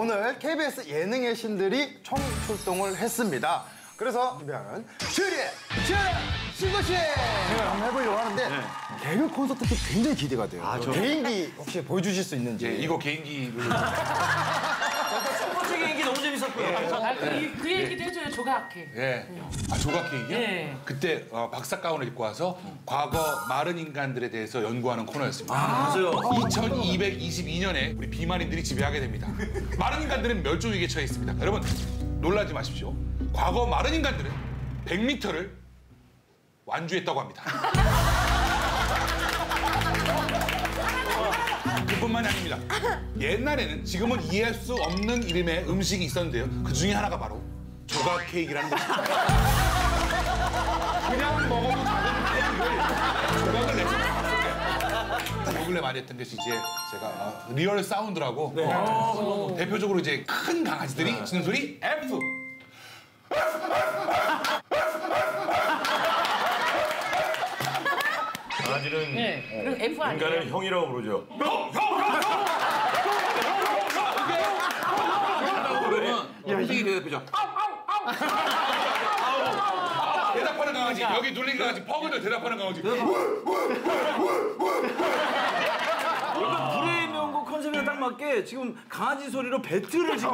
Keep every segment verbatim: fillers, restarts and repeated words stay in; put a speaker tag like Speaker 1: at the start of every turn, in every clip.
Speaker 1: 오늘 케이비에스 예능의 신들이 총 출동을 했습니다. 그래서 준비하는 슈리의 슈 신고씨 제가 한번 해보려고 하는데 네. 개그 콘서트 때 굉장히 기대가 돼요. 아, 저... 개인기 혹시 보여주실 수 있는지.
Speaker 2: 예, 이거 개인기를.
Speaker 3: 첫 번째 개인기 너무 재밌었고요.
Speaker 4: 예. 아, 그, 그 얘기도 해줘요, 조각해.
Speaker 2: 예. 아, 조각 얘기요? 예. 그때 어, 박사 가운을 입고 와서 과거 마른 인간들에 대해서 연구하는 코너였습니다.
Speaker 3: 아, 맞아요.
Speaker 2: 이천이백이십이 년에 우리 비만인들이 지배하게 됩니다. 마른 인간들은 멸종 위기에 처해 있습니다. 여러분, 놀라지 마십시오. 과거 마른 인간들은 백 미터를 완주했다고 합니다. 그뿐만이 아닙니다. 옛날에는 지금은 이해할 수 없는 이름의 음식이 있었는데요. 그 중에 하나가 바로 조각 케이크라는 것입니다. 그냥 먹어도 작은 케이크를 조각을 내서 요 근래 많이 했던 것이 이제 제가 리얼 사운드라고 네. 어, 대표적으로 이제 큰 강아지들이 네. 짖는 소리 F.
Speaker 5: 강아지는
Speaker 4: 네. 그럼 F 아니에요?
Speaker 5: 인간은 형이라고 부르죠.
Speaker 2: 형! 형! 형!
Speaker 3: 형! 선생님이 대답해줘.
Speaker 2: 대답하는 강아지, 여기 눌린 강아지, 퍽을 대답하는 강아지.
Speaker 3: 불의 명곡 컨셉에 딱 맞게 지금 강아지 소리로 배틀을 지금.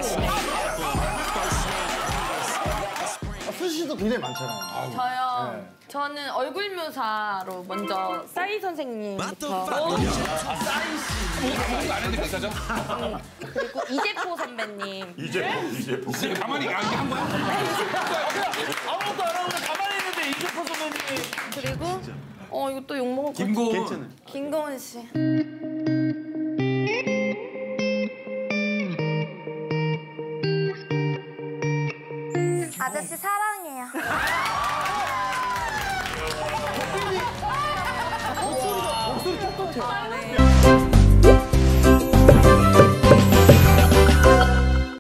Speaker 1: 수지 씨도 굉장히 많잖아요.
Speaker 6: 저요.
Speaker 1: 네.
Speaker 6: 저는 얼굴 묘사로 먼저 싸이 선생님부터
Speaker 2: 싸이 씨. 안 했는데 비싸죠?
Speaker 6: 그리고 이재포 선배님.
Speaker 5: 이제포, 이제포.
Speaker 2: 이제 가만히 안 한 거야?
Speaker 3: 아무것도 안 하고 가만히 있는데 이재포 선배님.
Speaker 6: 그리고 어 이거 또 욕먹을 것 같아.
Speaker 3: 김고은.
Speaker 6: 김고은 씨. 아저씨 사랑해요.
Speaker 1: 목소리, 목소리 똑같아요.
Speaker 6: 네.